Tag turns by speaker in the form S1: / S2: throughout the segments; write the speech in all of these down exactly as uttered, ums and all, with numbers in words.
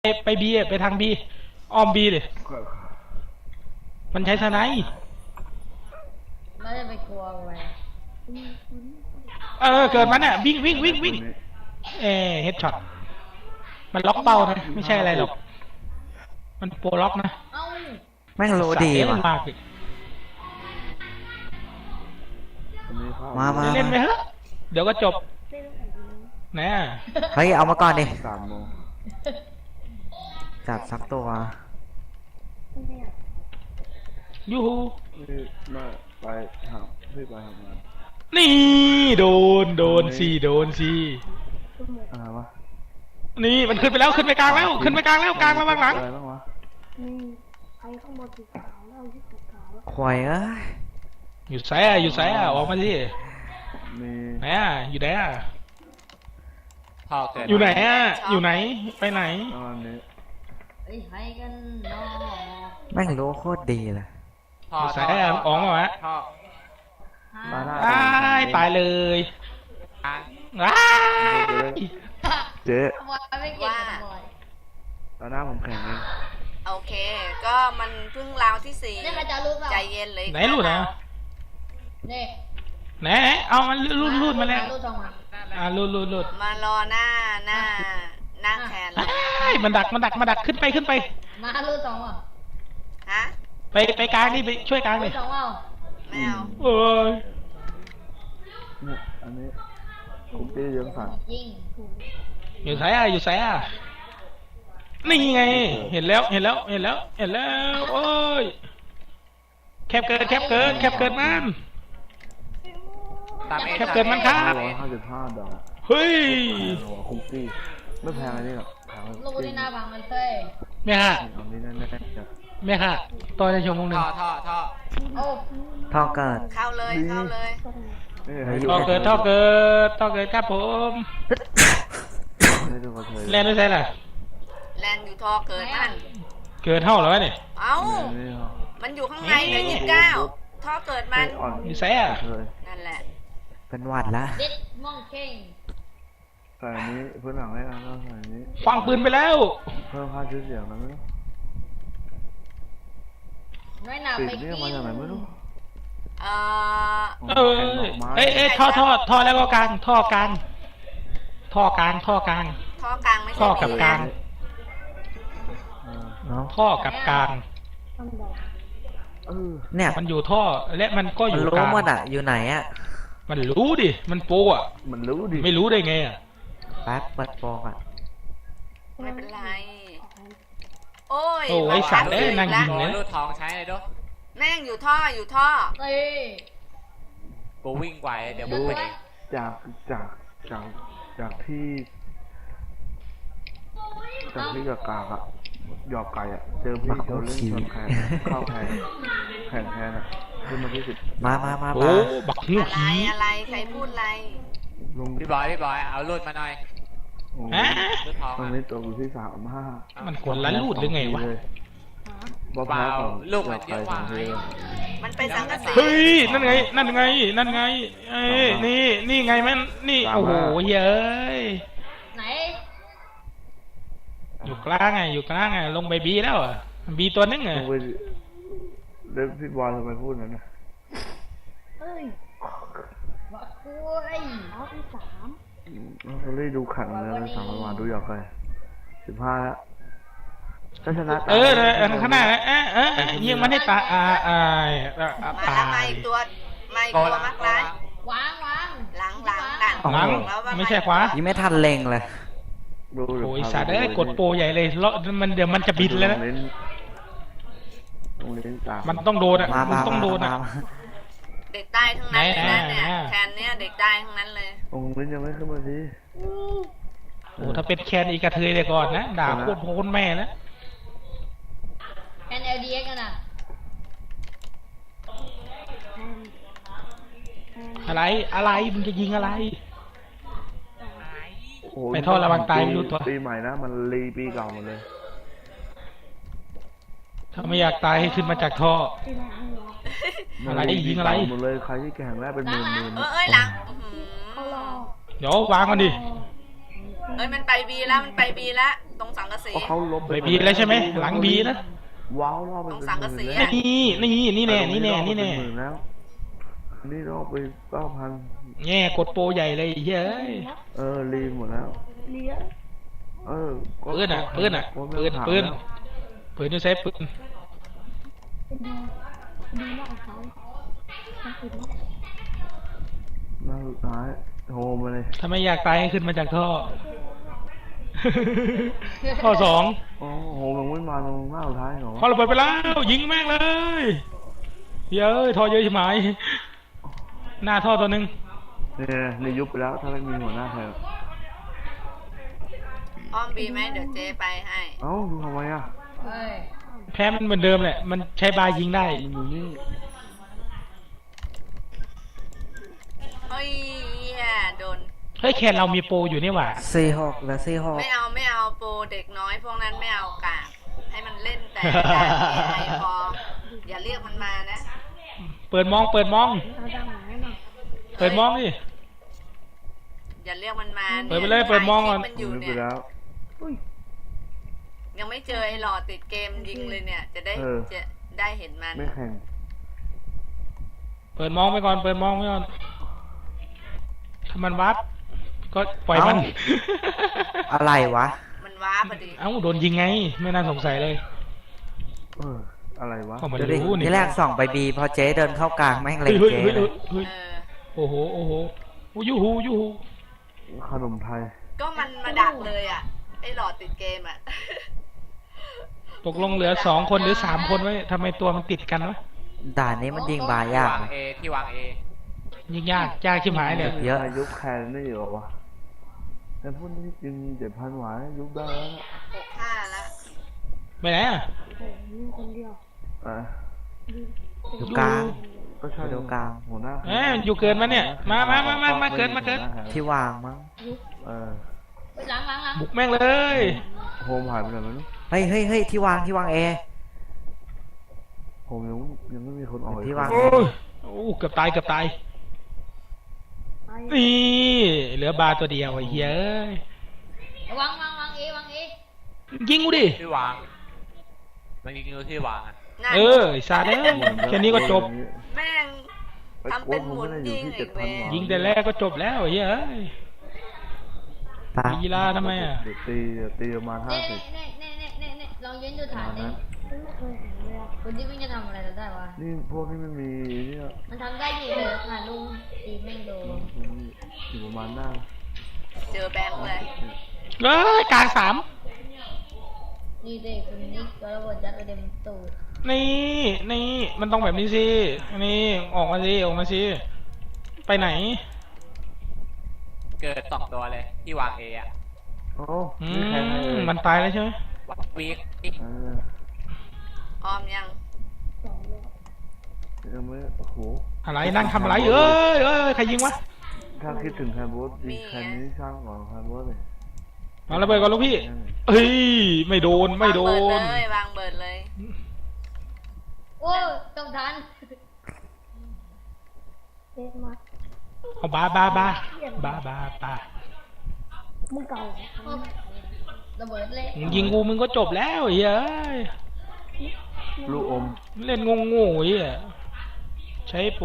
S1: ไปไปบีไปทางบีอ้อมบีเลยมันใช้สไนป์
S2: เราจะไปกลัวอะไร
S1: เออเกิดมันอ่ะวิ่งวิ่งวิ่งวิ่งเอเฮดช็อตมันล็อกเป้านะไม่ใช่อะไรหรอกมันโปรล็อกนะ
S2: แม่ง
S3: โลดีว่ะ
S1: มาก
S3: มามา
S1: เล่นไปเถอะเดี๋ยวก็จบนะ
S3: เฮ้ยเอามาก่อนดิจับสักตัว
S1: ยูฮู
S4: มาไปหาพี่ไปทำงาน
S1: นี่โดนโดนสิโดนสิ
S4: อะไรวะ
S1: นี่มันขึ้นไปแล้วขึ้นไปกลางแล้วขึ้นไปกลางแล้วกลางแล้วบ้างหลัง
S4: อะไรบ้างวะ
S3: ควายเอ้ย
S1: อยู่ไสอ่ะอยู่ไสอ่ะออกมาสิไหนอ่ะอยู่ไหนอ่ะอยู่ไหนอ่ะอยู่ไหนไปไหน
S3: แม่งรู้โคตรดีเลย
S1: อยู่ไสอ่ะออกมาวะตายตายเลย
S4: เจ๊
S2: ว่า
S4: ตอนหน้าผมแข่งเอง
S5: โอเคก็มันเพิ่งราวที่สี่ใจเย็นเลย
S1: ไหนรูดนะ
S2: นี่
S1: ไหนเอามันรูดรูดมาแล้วอ่ารูดรูดรูด
S5: มารอหน้าหน้าหน้าแทน
S1: มันดักมันดักมันดักขึ้นไปขึ้นไป
S2: มารูดสองอ่ะ
S5: ฮะ
S1: ไปไปกลางนี่ไปช่วยกลางเลย
S2: สองเอา
S5: ไม่เอา
S1: โอ้ย
S4: เนี่ยอันนี้คุกกี้ยังสั่ง
S1: อยู่ไสอ่ะอยู่ไสอ่ะนี่ไงเห็นแล้วเห็นแล้วเห็นแล้วเห็นแล้วโอ้ยแคบเกินแคบเกินแคบเกินมันแคบเกินมันครับ
S4: ร้อยห้าสิบห้าดอก
S1: เฮ้ย
S4: คุกกี้ไม่แพงอะไรนี่หรอก
S2: ลูกที่หน้าพังมันเซ่
S1: แม่ค่ะแม่ค่ะต่อในชั่วโมงหนึ่ง
S5: ท่อท่อท่อ
S3: ท่อเกิด
S5: เข้าเลยเข้าเลย
S1: ท่อเกิดท่อเกิดท่อเกิดครับผมแลนด์ไม่ใช่ล่ะ
S5: แลนด์อยู่ท่อเกิดนั่น
S1: เกิดเท่าแล้วเนี่ย
S5: เอ้ามันอยู่ข้างในเลยยี่สิบเก้าท่อเกิดมัน
S1: มีแซ่
S5: นั่นแหละ
S3: เป็นหวัดละ
S2: เด็ดมองเข่ง
S4: ใส่นี้เพื่อนหลังได้แล้วใส่นี้
S1: ฟังปืนไปแล้ว
S4: เพิ่มค่าชื่อเสียงนะมั้ย
S2: น้อยหนาไปกิน
S4: มาจากไหนไม่รู้
S5: เอ
S1: อเอ้ยเอ้ยท่อท่อท่อแล้วก็กลางท่อกลางท่อกลางท่อกลาง
S5: ท่อกลางไม่ใช่
S1: ท่อกับกลางท่อกับกลาง
S3: เนี่ย
S1: มันอยู่ท่อและมันก็อยู่กลาง
S3: รู้มันอ่ะอยู่ไหนอ่ะ
S1: มันรู้ดิมันโปอ่ะ
S4: มันรู้ดิ
S1: ไม่รู้ได้ไงอ่ะ
S3: แป๊บเปิดโปอ่ะ
S5: ไม่เป็นไรโอ้ย
S1: โอ้ยสัตว์เอ้ยนั่งยิงเลย
S6: รูดทองใช้เลยด้วย
S5: แม่งอยู่ท่ออยู่ท่อ
S2: เอ้ย
S6: กูวิ่งไหวเดี๋ยวมึงไป
S4: จากจากจากจากที่จากที่กับกากอะหยอกไก่อะเจอพี่เขาเล่นชนแข่งเข้าแข่งแข่งแทนอะขึ้นมาที่สิบ
S3: มามามา
S1: โอ้บักหู
S5: ขี้อะไรใครพูดอะไร
S6: พี่บอยพี่บอยเอารูดมาหน่อย
S1: ฮะ
S4: ตรงนี้ตัวกูที่สามห้า
S1: มันคนละรูดหรือไงวะ
S6: เปล่าลูกมันเยอะกว่า
S5: มันเป็นสังกะสี
S1: เฮ้ยนั่นไงนั่นไงนั่นไงเอ้ยนี่นี่ไงมันนี่โอ้โหเย้ย
S2: ไหน
S1: อยู่กลางไงอยู่กลางไงลงไปบีแล้วอ่ะบีตัวนึงไง
S4: เด็กพี่บอลทำไมพูดนั้นนะ
S2: เฮ้ยว่าคุยเอาที่สาม
S4: เราได้ดูขันแล้วสามวันดูอยากไปสิบห้าแล้วชนะ
S1: เออข้างหน้าเออเออยิงมันให้ตายอ่าอ่า
S5: ตายมาอีกตัวมาอีกตัวมากร้า
S2: ยวางวาง
S5: หลังหลังหลัง
S1: หลังไม่ใช่ขวา
S3: ยังไม่ทันเล็งเลย
S1: โอ้ยสัตว์เอ้ยกดโปรใหญ่เลยแล้วมันเดี๋ยวมันจะบินแล้วนะมันต้องโดนอ่ะมันต้องโดนอ่ะ
S5: เด็กใต้ทั้งนั้นเลยนะเนี่ยแคนเนี่ยเด็กใต้ทั้งนั้นเลย
S4: องค์ลิ้นยังไม่ขึ้นมาสิ
S1: โอ้ถ้าเป็นแคนอีกระเทยเลยก่อนนะด่าโคตรโหดแม่นะ
S2: แคนเอลดีเอ็กกันนะ
S1: อะไรอะไรมึงจะยิงอะไรไปท่อระวังตายไม่รู้ตัว
S4: ปีใหม่นะมันรีปีเก่าหมดเลย
S1: ถ้าไม่อยากตายให้ขึ้นมาจากท่ออะไรยิงอะไร
S4: หมดเลยใครที่แข่งแล้วเป็นหมื่นหมื่น
S5: เอ้ยหลัง
S1: เดี๋ยววางกันดิ
S5: เอ้ยมันไปบีแล้วมันไปบีแล้วตรงสังกะสี
S4: เพราะเขาลบ
S1: ไปบีแล้วใช่ไหมหลังบีนะ
S4: ว้าวรอบไป
S5: ตรง
S4: เป็น
S5: สังกะสี
S4: หมื่น
S5: อะ
S1: นี่นี่นี่แน่นี่แน่นี่แน่
S4: เป็หมื่แล้วนี่รอบไปเก้าพัน
S1: แง่กดโปรใหญ่เลยเฮ้ย
S4: เออรีหมดแล้ว
S2: เลี้ยง
S4: เออก็
S1: ปืนอ่ะปืนอ่ะ
S4: ก็ไม่
S1: ปืน
S4: ถาม
S1: ปืน
S4: แล้ว
S1: ปืนยูเซฟปืน
S2: เป็นดีดีมากของเขาต้องปิดนะ
S4: หน้าสุดท้ายโทรมาเลย
S1: ถ้าไม่อยากตายให้ขึ้นมาจากท่อ ท่อสอง
S4: โอ้โหมันไม่มาตรงหน้าสุดท้ายเหรอ
S1: พอระเบิดไปแล้วยิงแม่งเลยเย้ยท่อเยอะใช่ไหมหน้าท่อตัวหนึ่ง
S4: เนี่ยในยุบไปแล้วถ้าไม่มีหัวหน้าแทน
S5: อ้อมบีไหมเดี๋ยวเจ๊ไปให้
S4: เอ้าดูทำไมอ่ะ
S2: เฮ้ย
S1: แพ้มันเหมือนเดิมแหละมันใช้บายิงได้
S4: มันอยู่นี่
S5: เฮ้ยเหี้ยโดน
S1: เฮ้ยแคนเรามีโปรอยู่นี่หว่า
S3: สี่หกแล้วสี่หก
S5: ไม่เอาไม่เอาโปรเด็กน้อยพวกนั้นไม่เอากากให้มันเล่นแต่ด่านเอไอพออย่าเรียกมันมานะ
S1: เปิดมองเปิดมอง
S2: เอาดังหน่อยหน่อย
S1: เปิดมองดิ
S5: อย่าเรียกมันมา
S1: เปิดไปเลยเปิดมองก่อน
S5: มันอยู่
S4: ยุบไป
S5: เนี่ย
S4: แล้ว
S5: ยังไม่เจอไอ้หลอดติดเกมยิงเลยเนี่ย จะได้
S4: เออ
S5: จะได้เห็นมัน
S4: ไม่แข่ง
S1: เปิดมองไปก่อนเปิดมองไปก่อนถ้ามันวัดก็ปล่อยมัน
S3: อะไรวะ
S5: มันว้าพอดี
S1: เอ้าโดนยิงไงไม่น่าสงสัยเลย
S4: เอออะไรวะ
S1: ก็มัน
S3: ดูดิ
S1: รู้นี่
S3: ที่แรกส่องไปบีพอเจ๊เดินเข้ากลางแม่งเล็
S1: เฮ้
S3: ง
S1: ยเฮ้ย
S3: เจ๊
S1: เฮ้ย
S3: เลย
S1: เฮ้ย
S5: เออ
S1: โอ้โหโอ้โหโอ้ยูฮูยูฮู
S4: ขนมไทย
S5: ก็มันมาดักเลยอ่ะไอ้หลอดติดเกมอ่ะ
S1: ตกลงเหลือสองคนหรือสามคนไว้ทำไมตัวมันติดกันวะ
S3: ด่านนี้มันยิงบายาก
S6: วาง
S3: นะ
S6: เอที่วางเอ
S1: ยิงยากยากชิบหายเลย
S3: เยอะ
S4: ยุบแคนได้เหรอวะแต่พูดนี้จริงเจ็ดพันหวายยุบได้แล้วนะ
S5: หกห้าละ
S1: ไปไหนอ่ะ
S2: โอ้ยมีคนเดียว
S4: อ่ะ
S3: อยู่กลาง
S4: ก็ใช่
S3: เดี๋ยวกลาง
S4: หัวหน้า
S1: เอ้ยอยู่เกินมาเนี่ยมามามามามาเกินมาเกิน
S3: ที่วางมั้ง
S4: เออ
S2: ล้างล้างล้าง
S1: บุกแม่งเลย
S4: โฮมหายไปไหนไม่รู้
S3: เฮ้ยเฮ้ยเฮ้ยที่วางที่วางเอ
S4: โฮมยังยังไม่มีคนออก
S3: ที่วาง
S1: โอ้ยโอ้เกือบตายเกือบตายนี่เหลือบาร์ตัวเดียวไอ้เหี้ยเอ้ยว
S2: างวางวางเอวางเอ
S1: ยิงกูดิ
S6: ที่วาง มันยิงอยู่ที่วางอ่ะ
S5: นั่น
S1: เออไอ้ซาเด้อแค่นี้ก็จบ
S5: แม่ง ทำเป็นหมุนยิงอีกเว้ย
S1: ยิงแต่แรกก็จบแล้วไอ้เหี้ยเอ้ย
S3: ตา
S1: ลีลาทำไมอ่ะ
S4: เดี๋ยวตีเดี๋ยวตีประมาณห้า
S2: เน่
S4: สิบ
S2: เน่เน่เน่เน่เน่ลองยืนดู
S4: ประ
S2: ฐาน
S4: มาณ
S2: ดิ
S4: นั้น
S2: ไม่เคยเห็นเลยอะคนที่วิ่งจะทำอะไรเราได้วะ
S4: นี่พวกนี้ไม่มีเนี่ย
S2: มันทำได้อยู่เลยผ่านลุงตีแม่งโดน
S4: อยู่ประมาณหน้า
S5: เจอแบงค์เลย
S1: เอ้ยกลางสาม
S2: นี่เด็กคนนี้ก็ระเบิดยัดไปเต็มตูด
S1: นี่นี่มันต้องแบบนี้สินี่ออกมาสิออกมาสิไปไหน
S6: เกิดสองตัวเลยที่วางเออ่ะ
S4: โอ้
S1: อื
S4: นี่แข่งเลย
S1: มมันตายแล้วใช่ไหม
S6: วัดวีค
S4: เออ
S5: ออมยัง
S2: สองเลย
S4: ยังไม่โอ้โห
S1: อะไรนั่งทำอะไรเอ้ยเอ้ยใครยิงวะ
S4: ถ้าคิดถึงแคนโบสยิงแคนนี้ช่างก่อนแคนโบสเลย
S1: เอาระเบิดก่อนลูกพี่เฮ้ยไม่โดนไม่โด
S5: วางเบิ
S1: น
S5: ดเลยวางเบิดเลย
S2: โอ้ยต้องทันเด็กมา
S1: เอาบาบาบาบาบาบา
S2: มึงเก่าระเบิดเลย
S1: มึงยิงกูมึงก็จบแล้วไอ้เฮ้ย
S4: ลูกอม
S1: เล่นงงๆไอ้เหี้ยใช้ปู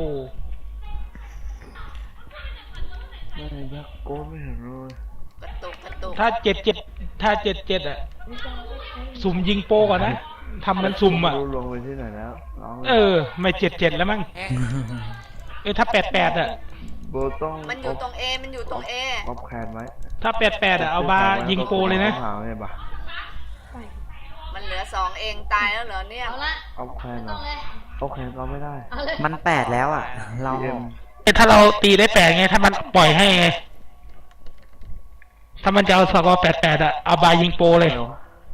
S4: ไม่ยักโก้ไม่เห็นเลย
S5: กระตุกกระตุก
S1: ถ้าเจ็ดเจ็ดถ้าเจ็ดเจ็ดอะสุ่มยิงโปก่อนนะทำมันสุ่มอะ
S4: รู้ลงไปที่ไหนแล้วน้อง
S1: เออ ไม่เจ็ดเจ็ดแล้วมั้ง
S6: แฮะ
S1: เออถ้าแปดแปดอะ
S4: โบต้อง
S5: มันอยู่ตรงเอมันอยู่ตรงเอ
S4: ออฟแคนไว้
S1: ถ้าแปดแปดอะเอาบายิงโปเลยนะ
S4: หาไงบ่ะ
S5: มันเหลือสองเองตายแล้วเหรอเนี่ย
S2: เอาละ
S4: ออฟแคนเหร
S2: ต้
S4: อ
S2: องเลย
S4: ออฟแคนก็ไม่ได้
S2: เอาเลย
S3: มันแปดแล้วอ่ะ เรา
S4: เอ็ม
S1: ถ้าเราตีได้แปดไง ถ้ามันปล่อยให้ไง ถ้ามันจะเอาสกอร์แปดแปดอะเอาบายิงโปเลย
S4: เดี๋ยว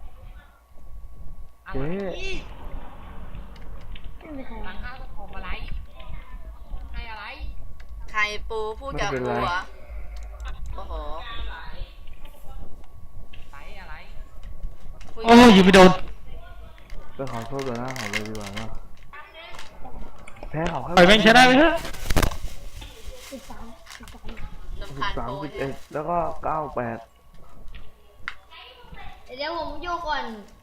S4: เจ๊
S2: ไม่มีใคร
S6: ตั้งค่าของอะไรให้อะไร
S5: ใครปูพูดกับปูเหรอโอ้โห
S6: ไหนอะไร
S5: คุย
S1: โอ้ยยิงไม่โดน
S4: ไปขอโทษต่อหน้าเขาเลยดีกว่าเนาะแพ้เขาแค่
S1: ปล่อยแม่งชนะไปเถอะ
S2: สิบสามสิบสาม
S5: ลำ
S4: สิบ
S5: พัน
S4: สาม
S5: โป
S4: สิบ
S5: เย
S4: เอ็
S5: อะ
S4: ดแล้วก็เก้าแปด
S2: ดี๋ยวผมโยกก่อน